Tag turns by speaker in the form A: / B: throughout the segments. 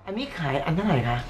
A: อันนี้ขายอันเท่าไหร่คะ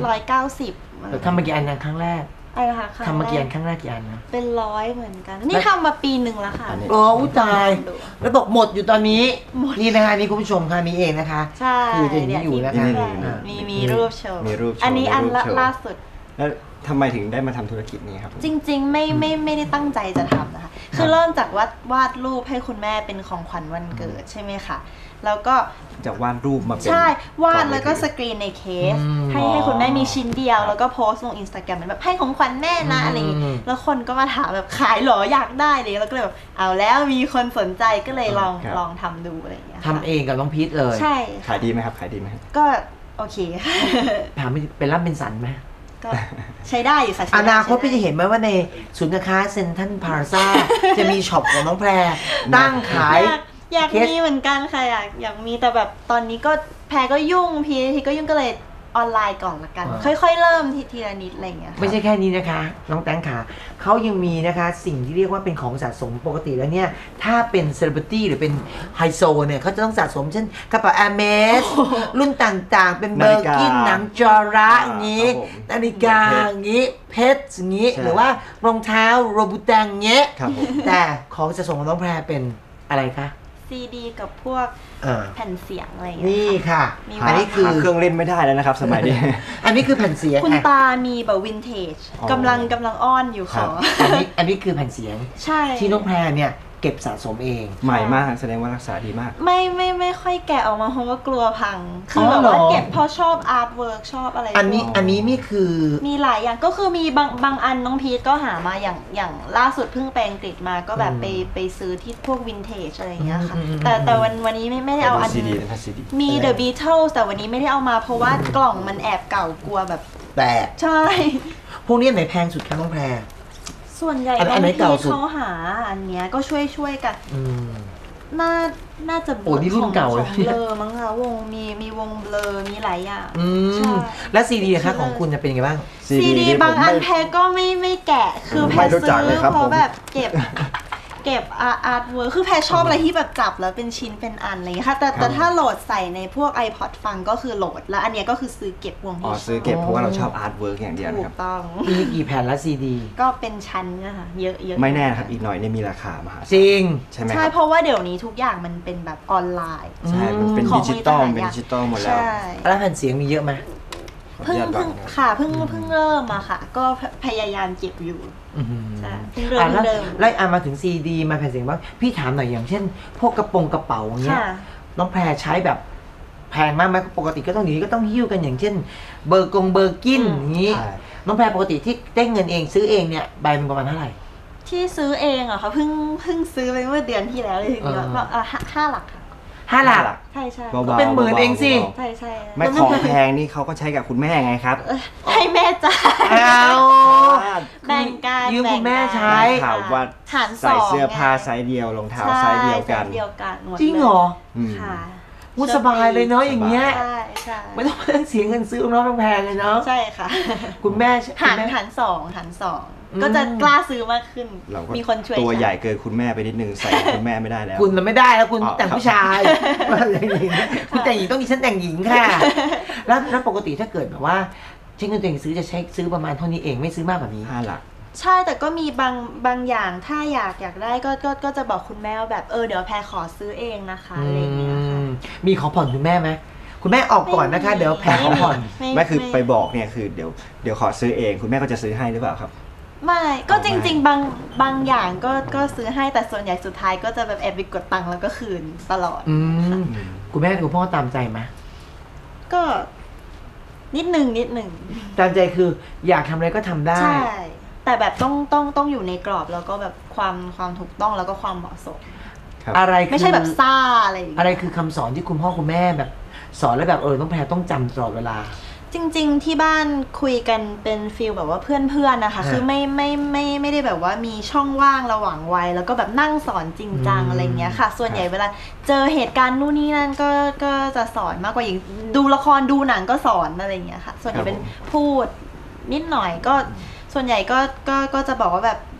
B: 790
A: ทำมากี่อันนะครั้งแรก
B: อะไรนะคะ
A: ทำมากี่อันครั้งแรกกี่อันนะ
B: เป็น100เหมือนกันนี่ทำมาปีหนึ่งแล้วค่ะ
A: โอ้ตายแล้วบอกหมดอยู่ตอนนี้นี่นะคะนี่คุณผู้ชมค่ะนี่เองนะคะ
B: ใช่
A: คือจะอยู่นะคะ
B: มีรูปโชว์อันนี้อันล่าสุด
C: แล้วทำไมถึงได้มาทำธุรกิจนี้ครับ
B: จริงๆไม่ได้ตั้งใจจะทำนะคะคือเริ่มจากวาดรูปให้คุณแม่เป็นของขวัญวันเกิดใช่ไหมคะแล้วก็
C: จากวาดรูปมาเป็น
B: ใช่วาดแล้วก็สกรีนในเคสให้คุณแม่มีชิ้นเดียวแล้วก็โพสต์ลง Instagram แบบให้ของขวัญแม่นะอะไรอย่างงี้แล้วคนก็มาถามแบบขายหรออยากได้เลยแล้วก็เลยแบบเอาแล้วมีคนสนใจก็เลยลองทำดูอะไรอย่างเงี้ย
A: ทำเองกับน้องพีทเลย
B: ใช่
C: ขายดีไหมครับขายดีไหม
B: ก็โอเค
A: ถามเป็นรับเป็นสันไหม
B: ก็ใช้ได้อยู่ค่ะ
A: อนาคตพี่จะเห็นไหมว่าในศูนย์การค้าเซ็นทรัลพลาซ่าจะมีช็อปของน้องแพรตั้งขาย
B: อยากมีเหมือนกันค่ะอยากมีแต่แบบตอนนี้ก็แพรก็ยุ่งพีก็ยุ่งก็เลยออนไลน์ก่อนละกันค่อยๆเริ่มทีละนิดอะไรอย่างเงี้ย
A: ไม่ใช่แค่นี้นะคะน้องแตงขาเขายังมีนะคะสิ่งที่เรียกว่าเป็นของสะสมปกติแล้วเนี่ยถ้าเป็นเซเลบริตี้หรือเป็นไฮโซเนี่ยเขาจะต้องสะสมเช่นกระเป๋าแอร์เมสรุ่นต่างๆเป็นเบอร์กินหนังจอระอย่างงี้นาฬิกาอย่างงี้เพชรอย่างงี้หรือว่ารองเท้าโรบูแตงเงี้ยแต่ของสะสมของน้องแพรเป็นอะไรคะ
B: ซีดีกับพวกแผ่นเสียงอะไรอย่างเงี้ย
A: นี่ค่ะ
C: อันนี้คือเครื่องเล่นไม่ได้แล้วนะครับสมัยนี้
A: อันนี้คือแผ่นเสียง
B: คุณตามีแบบวินเทจกำลังอ้อนอยู่ขอ
A: อันนี้คือแผ่นเสียง
B: ใช่
A: ที่น้องแพรเนี่ยเก็บสะสมเอง
C: ใหม่มากแสดงว่ารักษาดีมาก
B: ไม่ค่อยแกะออกมาเพราะว่ากลัวพังคือแบบว่าเก็บเพราะชอบอาร์ตเวิร์กชอบอะไร
A: อันนี้นี่คือ
B: มีหลายอย่างก็คือมีบางอันน้องพีทก็หามาอย่างล่าสุดเพิ่งไปอังกฤษมาก็แบบไปซื้อที่พวกวินเทจอะไรอย่างเงี้ยค่ะแต่วันนี้ไม่ได้เอาอันมี The Beatles แต่วันนี้ไม่ได้เอามาเพราะว่ากล่องมันแอบเก่ากลัวแบบ
A: แตก
B: ใช่
A: พวกนี้ไหนแพงสุดคะน้องแพร
B: ส่วนใหญ่บางทีเขาหาอันเนี้ยก็ช่วยกันน่าจะ
A: โอ้นี่รุ่นเก่าเลย
B: เบลอมั้งคะวงมีวงเบลอมีหลายอย่าง
A: แล้วซีดีคะของคุณจะเป็นยังไงบ้าง
B: ซีดีบางอันแพรก็ไม่แกะคือแพรซื้อเพราะแบบเก็บอาร์ตเวิร์คคือแพรชอบอะไรที่แบบจับแล้วเป็นชิ้นเป็นอันอะไรอย่างเงี้ยค่ะแต่ถ้าโหลดใส่ในพวก iPod ฟังก็คือโหลดแล้วอันเนี้ยก็คือซื้อเก็บวงที่
C: ซื้อเก็บเพราะว่าเราชอบอาร์ตเวิร์กอย่างเดียว
B: นะครับถูกต้อง
A: มีกี่แผ่นละซีดี
B: ก็เป็นชั้นนะคะเยอะ
C: ไม่แน่ครับอีกหน่อยเนี่ยมีราคามหา
A: จริง
C: ใช่ไหม
B: ใช่เพราะว่าเดี๋ยวนี้ทุกอย่างมันเป็นแบบออนไลน์
C: ใช่มันเป็นดิจิตอลหมดแล้ว
A: แล้วแผ่นเสียงมีเยอะไหม
B: เพิ่งเริ่มมาค่ะก็พยายามเก็บอยู่ใช่เพิ่งเริ่ม
A: ไล่มาถึงซีดีมาแผ่นเสียงว่าพี่ถามหน่อยอย่างเช่นพวกกระเป๋าเงี้ยน้องแพรใช้แบบแพงมากไหมปกติก็ต้องนี้ก็ต้องหิ้วกันอย่างเช่นเบอร์กินอย่างนี้น้องแพรปกติที่ได้เงินเองซื้อเองเนี่ยใบมันประมาณเท่าไหร่
B: ที่ซื้อเองอะค่ะเพิ่งซื้อไปเมื่อเดือนที่แล้วเลยทีเดียวก็5 หลักค่ะ
A: 5 หลัก
B: ใช่
A: เป็นหมื่นเองสิ
B: ใช่
C: ไม่ของแพงนี่เขาก็ใช้กับคุณแม่ไงครับ
B: ให้แม่จ่ายแบ่งกัน
A: ยืมคุณแม่ใช้
C: ข่าวว่าใส่เสื้อผ้าไซส์เดียวรองเท้าไซส์เดียวกัน
A: จริงเหรอ
B: ค่ะ
A: สบายเลยเนาะอย่างเงี้ยไม่ต้องเสียเงินซื้อน้องแพงเลยเนาะ
B: ใช่ค่ะ
A: คุณแม่
B: หารสองก็จะกล้าซื้อมากขึ้นมีคนช่วย
C: ตัวใหญ่เกินคุณแม่ไปนิดนึงใส่คุณแม่ไม่ได้แล้ว
A: คุณไม่ได้แล้วคุณแต่งผู้ชายคุณแต่งหญิงต้องมีฉันแต่งหญิงค่ะแล้วปกติถ้าเกิดแบบว่าใช้เงินตัวเองซื้อจะใช้ซื้อประมาณเท่านี้เองไม่ซื้อมากกว่านี้
C: 5 หลัก
B: ใช่แต่ก็มีบางอย่างถ้าอยากได้ก็จะบอกคุณแม่ว่าแบบเดี๋ยวแพรขอซื้อเองนะคะอะไรอย่างเงี้ยค่ะ
A: มีขอผ่อนคุณแม่ไหมคุณแม่ออกก่อนนะคะเดี๋ยวแพรขอผ่อน
C: ไม่คือไปบอกเนี่ยคือเดี๋ยวขอซื้อเองคุณแม่ก็จะซื้อให้หรือเปล่าครับ
B: ไม่ก็จริงๆบางอย่างก็ซื้อให้แต่ส่วนใหญ่สุดท้ายก็จะแบบแอบไปกดตังค์แล้วก็คืนตลอด
A: คุณแม่คุณพ่อตามใจไหม
B: ก็นิดหนึ่ง
A: ตามใจคืออยากทำอะไรก็ทำได้
B: ใช่แต่แบบต้องอยู่ในกรอบแล้วก็แบบความถูกต้องแล้วก็ความเหมาะสม
A: อะไร
B: ไม่ใช่แบบซ่า
A: อะไรคือคำสอนที่คุณพ่อคุณแม่แบบสอนแล้วแบบต้องแพรต้องจำตลอดเวลา
B: จริงๆที่บ้านคุยกันเป็นฟีลแบบว่าเพื่อนนะคะคือไม่ได้แบบว่ามีช่องว่างระหว่างวัยแล้วก็แบบนั่งสอนจริงจังอะไรเงี้ยค่ะส่วนใหญ่เวลาเจอเหตุการณ์นู่นนี่นั่นก็จะสอนมากกว่าอย่างดูละครดูหนังก็สอนอะไรเงี้ยค่ะส่วนใหญ่เป็นพูดนิดหน่อยก็ส่วนใหญ่ก็จะบอกว่าแบบ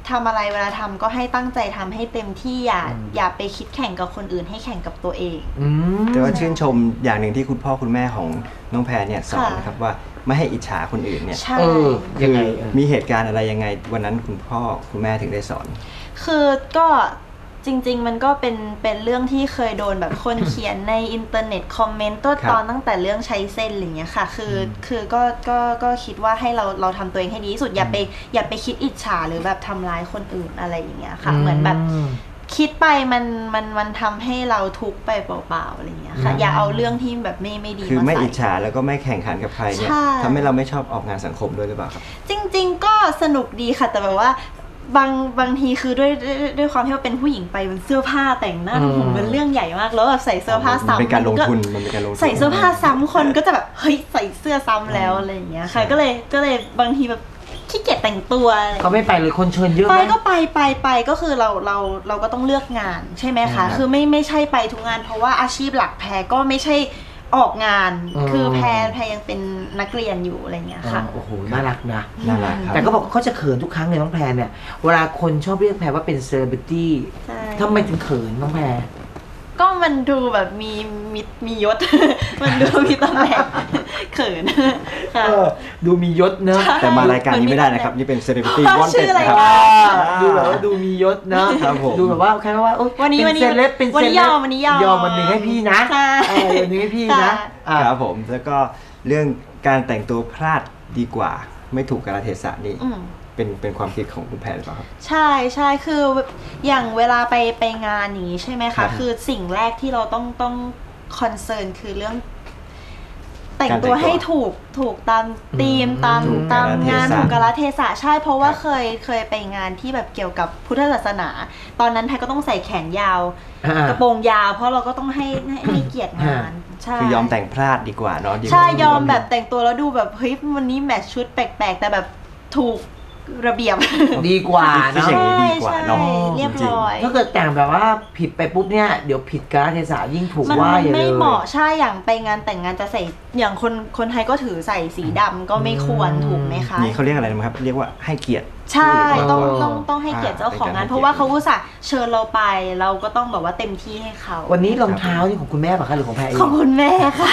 B: ทำอะไรเวลาทำก็ให้ตั้งใจทำให้เต็มที่อย่าไปคิดแข่งกับคนอื่นให้แข่งกับตัวเอง
C: แต่ว่าชื่นชมอย่างหนึ่งที่คุณพ่อคุณแม่ของน้องแพรเนี่ยสอนนะครับว่าไม่ให้อิจฉาคนอื่นเนี่ย
B: ใช่
A: ยังไง
C: มีเหตุการณ์อะไรยังไงวันนั้นคุณพ่อคุณแม่ถึงได้สอน
B: คือก็จริงๆมันก็เป็นเรื่องที่เคยโดนแบบคนเขียนในอินเทอร์เน็ตคอมเมนต์ตอนตั้งแต่เรื่องใช้เส้นอะไรเงี้ยค่ะคือก็คิดว่าให้เราทำตัวเองให้ดีที่สุดอย่าไปคิดอิจฉาหรือแบบทำร้ายคนอื่นอะไรอย่างเงี้ยค่ะเหมือนแบบคิดไปมันทำให้เราทุกข์ไปเปล่าๆอะไรเงี้ยค่ะอย่าเอาเรื่องที่แบบไม่ดีมาใส่
C: คือไม่อิจฉาแล้วก็ไม่แข่งขันกับใครเนี่ยทำให้เราไม่ชอบออกงานสังคมด้วยหรือเปล่าครับ
B: จริงๆก็สนุกดีค่ะแต่แบบว่าบางทีคือด้วยความที่ว่าเป็นผู้หญิงไปมันเสื้อผ้าแต่งหน้าผมเป็นเรื่องใหญ่มากแล้วแบบใส่เสื้อผ้าซ้ำ
C: มันเป็นการลงทุน
B: ใส่เสื้อผ้าซ้ำคนก็จะแบบเฮ้ยใส่เสื้อซ้ำแล้วอะไรอย่างเงี้ยค่ะก็เลยบางทีแบบขี้เกียจแต่งตัว
A: เขาไม่ไปเลยคนเชิญเยอะไหม
B: ก็ไปก็คือเราก็ต้องเลือกงานใช่ไหมคะคือไม่ใช่ไปทุกงานเพราะว่าอาชีพหลักแพรก็ไม่ใช่ออกงานคือแพรยังเป็นนักเรียนอยู่อะไรเงี้ยค่ะ
A: โอ้โหน่ารักนะ
C: น่ารักครับ
A: แต่ก็บอกเขาจะเขินทุกครั้งเลยน้องแพรเนี่ยเวลาคนชอบเรียกแพรว่าเป็นเซเลบริตี้ทำไมถึงเขินน้องแพร
B: ก็มันดูแบบมียศมันดูมีตำแหน่งเขิน
A: ดูมียศเนอะ
C: แต่มารายการนี้ไม่ได้นะครับนี่เป็นเซเลบริตี้วอนเต็ดนะครับ
A: ดูแบบว่าดูมียศเนอะดูแบบว่าแค่ว่า
B: วันนี้
A: เซเลบเป็นเซเลบยอมวันหนึ่งให้พี่นะวันนี้ให้พี่
C: นะครับผมแล้วก็เรื่องการแต่งตัวพลาดดีกว่าไม่ถูกกาลเทศะนี่เป็นความคิดของคุณแพรหรือเปล่าครับ
B: ใช่คืออย่างเวลาไปงานนี้ใช่ไหมคะคือสิ่งแรกที่เราต้องคอนเซิร์นคือเรื่องแต่งตัวให้ถูกตามธีมตามงานถูกกาลเทศะใช่เพราะว่าเคยไปงานที่แบบเกี่ยวกับพุทธศาสนาตอนนั้นแพรก็ต้องใส่แขนยาวกระโปรงยาวเพราะเราก็ต้องให้เกียรติงาน
C: คือยอมแต่งพลาดดีกว่าเนาะ
B: ใช่ยอมแบบแต่งตัวแล้วดูแบบเฮ้ยวันนี้แมทชุดแปลกๆแต่แบบถูกระเบียบ
A: ดีกว่าเนาะ
C: ดีกว่าเนาะ
B: เรียบร้อย
A: ถ้าเกิดแต่งแบบว่าผิดไปปุ๊บเนี่ยเดี๋ยวผิดกาลเทศะยิ่งถูกว่า
B: อย่างไม่เหมาะใช่อย่างไปงานแต่งงานจะใส่อย่างคนไทยก็ถือใส่สีดำก็ไม่ควรถูกไหมคะ
C: นี่เขาเรียกอะไรนะครับเรียกว่าให้เกียรติ
B: ใช่ต้องให้เกียรติเจ้าของงานเพราะว่าเขาอุตส่าห์เชิญเราไปเราก็ต้องแบบว่าเต็มที่ให้เขา
A: วันนี้รองเท้านี่ของคุณแม่ป่ะคะหรือของแพรเอง
B: ของคุณแม่ค่ะ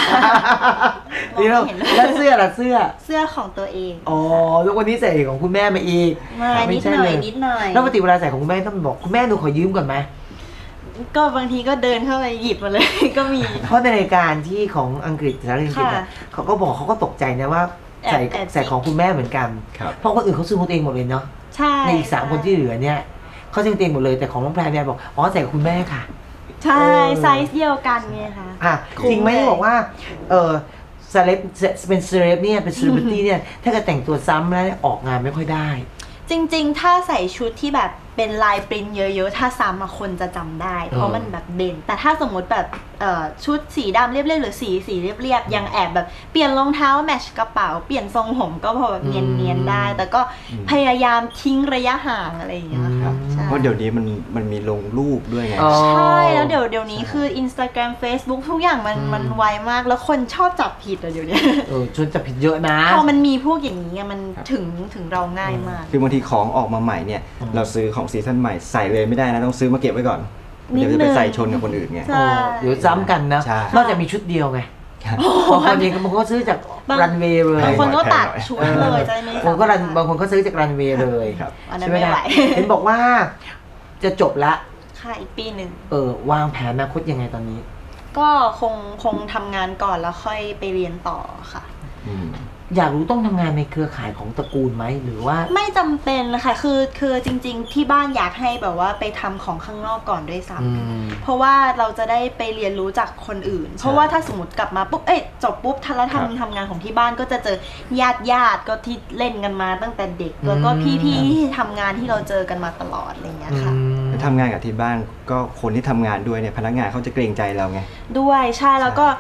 A: แล้วเสื้อ
B: ของตัวเอง
A: อ๋อแล้ววันนี้ใส่ของคุณแม่มาอีก
B: นิดหน่อย
A: แล้วปกติเวลาใส่ของคุณแม่ต้องบอกคุณแม่หนูขอยืมก่อนไหม
B: ก็บางทีก็เดินเข้าไปหยิบมาเลยก็มี
A: เพราะในรายการที่ของอังกฤษสารอังกฤษเขาก็บอกเขาก็ตกใจนะว่าใส่ของคุณแม่เหมือนกันเพราะคนอื่นเขาซื้อของตัวเองหมดเลยเนาะในอีก3คนที่เหลือเนี่ยเขาซื้อของตัวเองหมดเลยแต่ของน้องแพรเนี่ยบอกอ๋อใส่กับคุณแม่ค่ะ
B: ใช่ไซส์เดียวกันไงคะ
A: จริงไหมบอกว่าเซเลบเป็นเซเลบเนี่ยเป็นเซเลบริตี้เนี่ยถ้าเกิดแต่งตัวซ้ำแล้วออกงานไม่ค่อยได้
B: จริงๆถ้าใส่ชุดที่แบบเป็นลายปริ้นเยอะๆถ้าซ้ำคนจะจำได้เพราะมันแบบเด่นแต่ถ้าสมมติแบบชุดสีดำเรียบๆหรือสีเรียบๆยังแอบแบบเปลี่ยนรองเท้าแมทช์กระเป๋าเปลี่ยนทรงผมก็พอแบบเนียนๆได้แต่ก็พยายามทิ้งระยะห่างอะไรอย่างเงี้ยค่ะ
C: เพราะเดี๋ยวนี้มันมีลงรูปด้วยไง
B: ใช่แล้วเดี๋ยวนี้คือ Instagram Facebook ทุกอย่างมันไวมากแล้วคนชอบจับผิดอะเดี๋ยวนี้
A: ชวนจับผิดเยอะนะ
B: พอมันมีพวกอย่างนี้มันถึงเราง่ายมาก
C: คือบางทีของออกมาใหม่เนี่ยเราซื้อของซีซั่นใหม่ใส่เลยไม่ได้นะต้องซื้อมาเก็บไว้ก่อนเดี๋ยวจะไปใส่ชนกับคนอื่นไง
A: เดี๋ยวซ้ำกันนะนอกจากมีชุดเดียวไงบางคนเองบางคนก็ซื้อจากรันเวย์เลย
B: บางคนก็ตัดชุดเลยใจไม่
A: บางคนก็ซื้อจากรันเวย์เลย
B: ใช่ไหมล่ะ
A: เห็นบอกว่าจะจบละ
B: ค่ะอีกปีหนึ่ง
A: วางแผนอนาคตยังไงตอนนี้
B: ก็คงทำงานก่อนแล้วค่อยไปเรียนต่อค่ะ
A: อยากรู้ต้องทำงานในเครือข่ายของตระกูลไหมหรือว่า
B: ไม่จำเป็นเลยค่ะคือจริงๆที่บ้านอยากให้แบบว่าไปทำของข้างนอกก่อนด้วยซ้ำเพราะว่าเราจะได้ไปเรียนรู้จากคนอื่นเพราะว่าถ้าสมมติกลับมาปุ๊บจบปุ๊บแล้วทำงานของที่บ้านก็จะเจอญาติก็ที่เล่นกันมาตั้งแต่เด็กแล้วก็พี่ที่ทำงานที่เราเจอกันมาตลอดอะไรเงี้ยค่ะ
C: ทำงานกับที่บ้านก็คนที่ทำงานด้วยเนี่ยพนักงานเขาจะเกรงใจเราไง
B: ด้วยใช่แล้วก็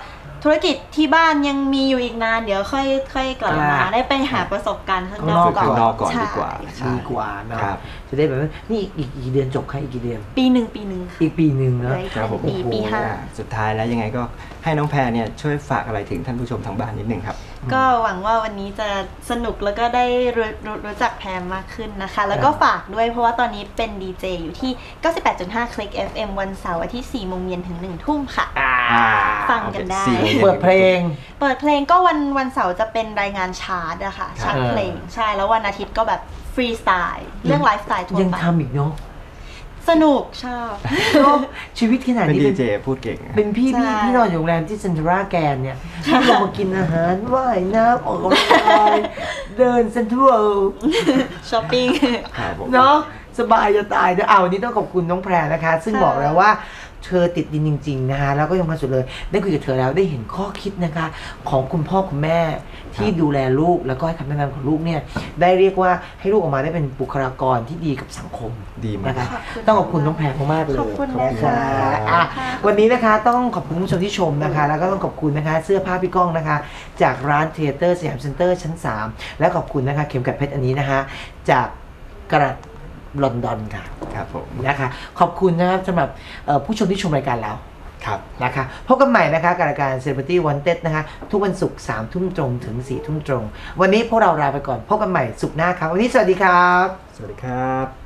B: ธุรกิจที่บ้านยังมีอยู่อีกนานเดี๋ยวค่อยกลับมาได้ไปหาประสบการณ์ข้างนอก
C: ฝึกข้างนอกก่อนดีกว่า
A: ดีกว่าเนาะ
C: ครับ
A: จะได้แบบว่านี่อีกกี่เดือนจบค่ะอีกกี่เดือน
B: ปีหนึ่ง
A: อีกปีหนึ่งเนาะ
C: ครับผม
B: ปีห้า
C: สุดท้ายแล้วยังไงก็ให้น้องแพรเนี่ยช่วยฝากอะไรถึงท่านผู้ชมทางบ้านนิดนึงครับ
B: ก็หวังว่าวันนี้จะสนุกแล้วก็ได้รู้จักแพรมากขึ้นนะคะ แล้วก็ฝากด้วยเพราะว่าตอนนี้เป็นดีเจอยู่ที่ 98.5 คลิก FM วันเสาร์อาทิตย์ 4 โมงเย็นถึง 1 ทุ่มค่ะ ฟังกันได้
A: เปิดเพลง
B: เปิดเพลงก็วันเสาร์จะเป็นรายงานชาร์ตอะค่ะชาร์ตเพลงใช่แล้ววันอาทิตย์ก็แบบฟรีสไตล์เรื่องไลฟ์สไตล์ทั่ว
A: ยัง
B: ไป
A: ทำอีกเนาะ
B: สนุกชอบ
A: เนอะชีวิตขนาด
C: เป็น
A: นี้
C: ดีเจพูดเก่ง
A: เป็นพี่
B: ใช่
A: พี่นอนอยู่โรงแรมที่เซนทรัลแกนเนี่ยพี่ลงมากินอาหารว่ายน้ำออกกำลังกายเดินเซ็นทรัล
B: ช้อปปิ้ง
C: ครับผม
A: เนาะสบายจะตายนะเอาวันนี้ต้องขอบคุณน้องแพรนะคะ ซึ่ง
B: ค่ะ
A: บอกแล้วว่าเธอติดดินจริงๆนะคะแล้วก็ยังมาสุดเลยได้คุยกับเธอแล้วได้เห็นข้อคิดนะคะของคุณพ่อคุณแม่ที่ดูแลลูกแล้วก็ให้คำแนะนำของลูกเนี่ยได้เรียกว่าให้ลูกออกมาได้เป็นบุคลากรที่ดีกับสังคม
C: ดีมาก
A: นะคะ
B: ขอบคุณ
A: ต้องขอบคุณน้องแพรมากๆเลย
B: ขอบคุณ
A: ขอบ
B: นะคะ
A: อ่ะวันนี้นะคะต้องขอบคุณผู้ชมที่ชมนะคะ แล้วก็ต้องขอบคุณนะคะเสื้อผ้าพี่ก้องนะคะ จากร้านเทเตอร์สยามเซ็นเตอร์ชั้น 3 และขอบคุณนะคะเข็มกัดเพชรอันนี้นะคะจากกระลอนดอนค่ะ
C: ครับผม
A: นะคะขอบคุณนะครับสำหรับผู้ชมที่ชมรายการเรา
C: ครับ
A: นะคะพบกันใหม่นะคะกับรายการ Celebrity Wanted นะคะทุกวันศุกร์3 ทุ่มตรงถึง 4 ทุ่มตรง วันนี้พวกเราลาไปก่อนพบกันใหม่ศุกร์หน้าครับวันนี้สวัสดีครับ
C: สวัสดีครับ